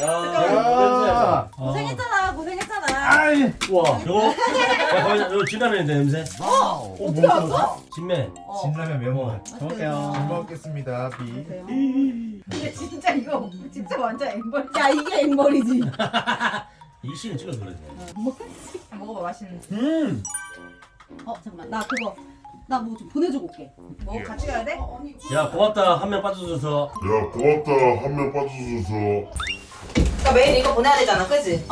야, 고생했잖아, 고생했잖아. 아이, 와, 이거? 야, 거기, 이거 진라면인데, 냄새? 어떻게 알았어? 진매. 진라면 매워. 잘 먹을게요. 먹겠습니다. 비. 근데 진짜 이거 진짜 완전 앵벌. 야 이게 앵벌이지. 이 씨는 찍어서 그러지. 먹어봐 맛있는. 잠깐만 나 뭐 좀 보내주고 올게. 뭐 같이 가야 돼? 야, 고맙다. 한 명 빠져줘서. 야 고맙다 한 명 빠져줘서. 그러니까 매일 이거 보내야 되잖아, 그지?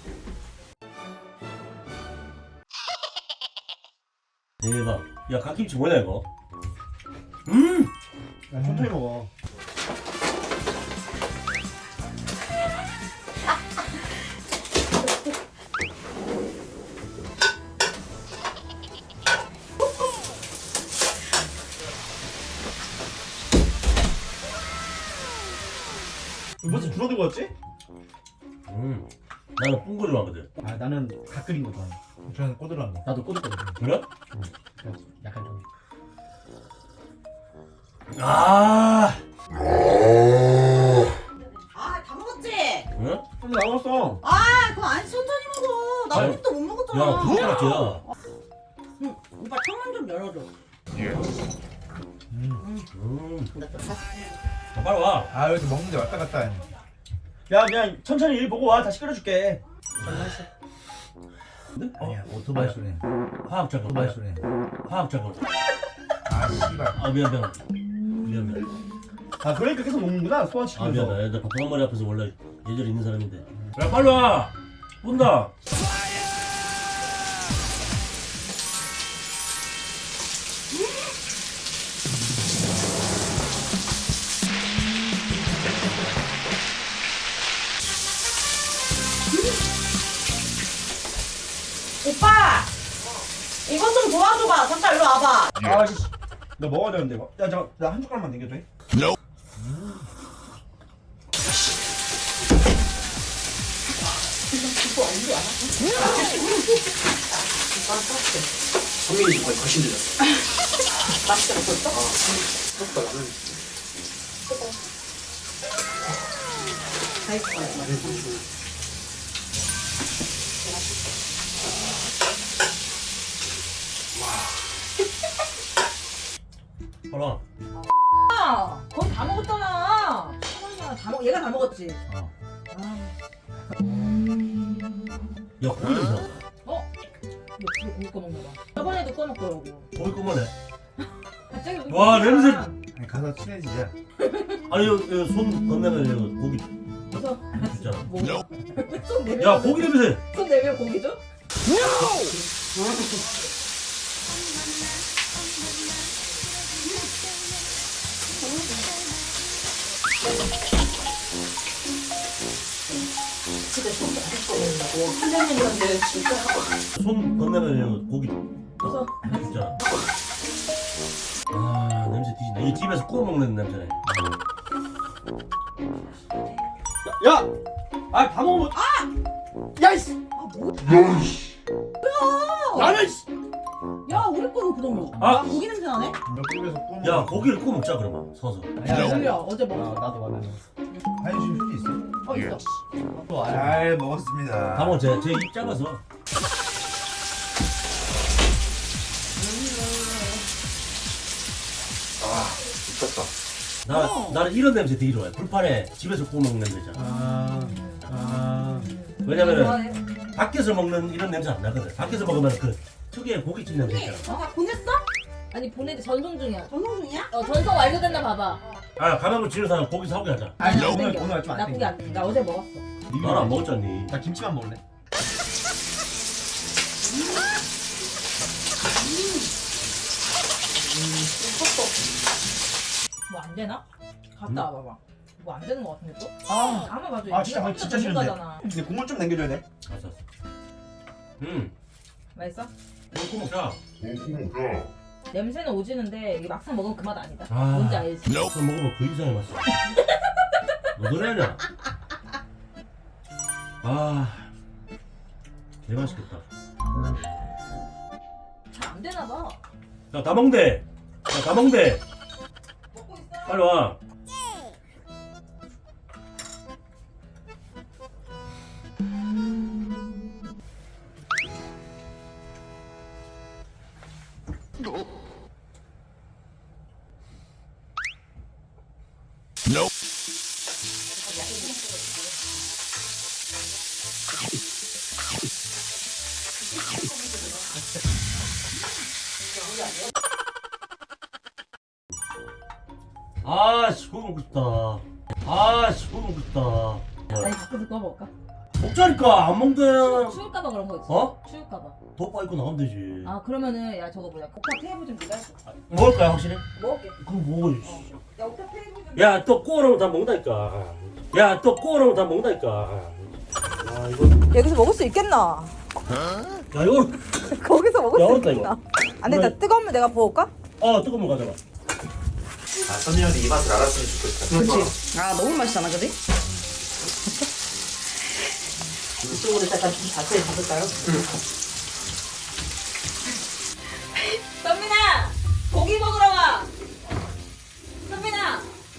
대박. 야, 갓김치 뭐냐, 이거? 야, 천천히 먹어. 무슨 주워 들고 왔지? 나는 뿡거리 좋아하거든. 아 나는 갓 끓인 거 좋아해. 저는 꼬들한 거. 나도 꼬들꼬들. 그래? 약간 좀. 아, 아 다 먹었지? 응? 좀 나왔어. 아 그거 안 천천히 먹어. 나 아니, 아직도 못 먹었잖아. 야, 그거 같지야. 응, 오빠 창문 좀 열어줘. 자, 빨리 와. 아, 여기서 먹는데 왔다 갔다 해. 야 그냥 천천히 일 보고 와. 다시 끓여줄게. 아니야, 오토바이 소리. 화학작업. 오토바이 소리. 화학작업. 아, 씨발. 아, 미안. 아 그러니까 계속 먹는구나 아, 소화시키면서. 미안하다. 애들 밥한 머리 앞에서 원래 예절이 있는 사람인데. 야, 빨리 와. 본다. 오빠 이것 좀 도와줘봐. 잠깐 일로 와봐. 아 씨. 너 먹어야 되는데 이거. 야 잠깐 나 한 숟갈만 남겨도 돼? 성민이 정말 훨씬 늘렸어. 맛있게 먹었어? 생각보다 나는 다 있을 거야. 빨리 와. 거의 다 먹었잖아. 얘가 다 먹었지. 야, 고기 냄새 난다. 옆으로 고기 꺼먹나 봐. 저번에도 꺼먹더라고. 고기 꺼만해. 갑자기 여기 와, 보니까 냄새. 아니, 가서 친해지자. 아니, 이거 손 건네면 이거 고기 무서. 있잖아. 뭐? 손 내밀어. 야, 고기 냄새. 손 내밀어 고기 줘? 집에서 맛있게 먹는다고. 한달년이었는데 진짜 손 건네면 이거 고기 무서. 있잖아. 아, 냄새 뒤진다. 이게 집에서 구워 먹는 냄새네. 야! 아 다 먹으면. 야 이씨. 아 뭐? 라면 씨. 야 우리 거는 그러면. 아! 고기 냄새 나네? 옆집에서 구워 야, 먹어. 고기를 구워 먹자 그러면 서서. 몰라 어제 먹었어. 나도 라면. 한심 휴지 있어? 있어. 잘 먹었습니다. 다 먹어. 제입 작아서. 미쳤다. 나는 이런 냄새 되게 좋아해. 불판에 집에서 구워 먹는 냄새 있잖아. 왜냐면은 좋아해. 밖에서 먹는 이런 냄새 안 나거든. 밖에서 먹으면 그 특유의 고깃집 냄새 있잖아. 다 보냈어? 아니 보내는데 전송 중이야. 전송 중이야? 전송 완료됐나 봐봐. 아, 가면 지는 사람 고기 사오게 하자. 아니 안 오늘 땡겨. 오늘 좀 안 나쁘게 땡겨. 안 돼. 나 어제 먹었어. 나는 안 먹었잖니. 나 김치만 먹을래. 뭐 안 되나? 갔다 와봐봐. 뭐 안 되는 거 같은데 또? 아. 아마 봐도 아, 진짜 진짜 싫은데. 전문가잖아. 근데 국물 좀 남겨줘야 돼. 알았어. 맛있어? 고기 구워 먹자. 먹자. 냄새는 오지는데 이게 막상 먹으면 그 맛 아니다. 아. 뭔지 알지? 그거 먹으면 그 이상의 맛이야. 너 노래하냐? 아, 개 맛있겠다. 잘 안 되나 봐. 야, 다 먹대. 야, 다 먹대. 먹고 있어. 빨리 와. 아씨 그거 먹고 싶다. 아씨 그거 먹고 싶다. 아니 바꿔서 구워 먹을까? 먹자니까 안 먹대. 추울까봐 그런 거 있어. 어? 추울까봐. 덮밥 입고 나가면 되지. 아 그러면은 야 저거 뭐야 옥탑 테이블 좀 네가 해줘. 먹을 거야 확실히? 먹을게. 그거 먹어. 야 옥탑 테이블 좀. 야 또 구워놓으면 다 먹는다니까. 야 또 구워놓으면 다 먹는다니까. 야 이거 여기서 먹을 수 있겠나? 야 이거 거기서 먹을 야, 수 어렵다, 있겠나? 이거. 안 돼, 나 뜨거우면 내가 부을까? 뜨거운 거 가져가. 아 선이 형이 이 맛을 알았으면 좋겠다. 그치. 아, 너무 맛있잖아, 그지? 이쪽으로 잠깐 좀 자세히 잡을까요? 선민아 고기 먹으러 와. 선민아.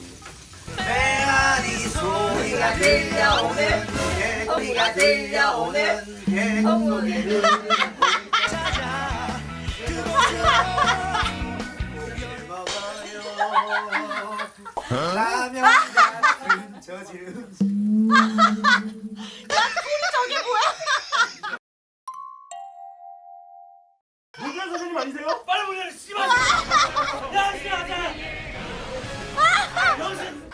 메아리 소리가 들려오는 소리가 들려오는 어머니를 라면 같은 저질 음식. 문현 선생님 아니세요? 빨리 문현 씨발. 야 씨발 자. 영신.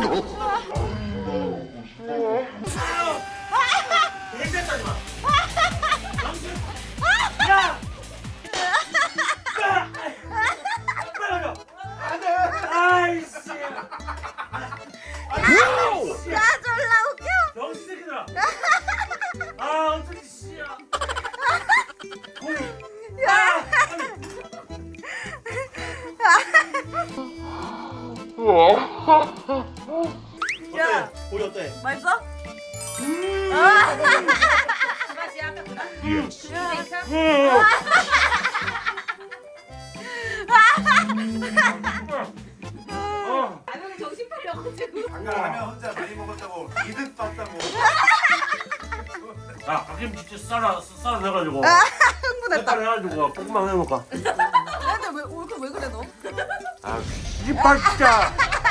대장하지 마. 영신. 야. 빨리 가자. 안돼. 아이씨. 야, 졸라 웃겨! 영신 새끼들아. 아 어떻게 씨야. 고기. 야. 야, 고기 어때? 맛있어? 그 맛이야 아까 그거? 라면이 정신 팔려가지고. 방금 라면 혼자 많이 먹었다고 이득 봤다고. 야, 갓김치 썰어 내가지고. 흥분했다. 색깔 해가지고 볶음밥 해먹을까? 근데 왜 그래, 너? 아, 씨발 진짜.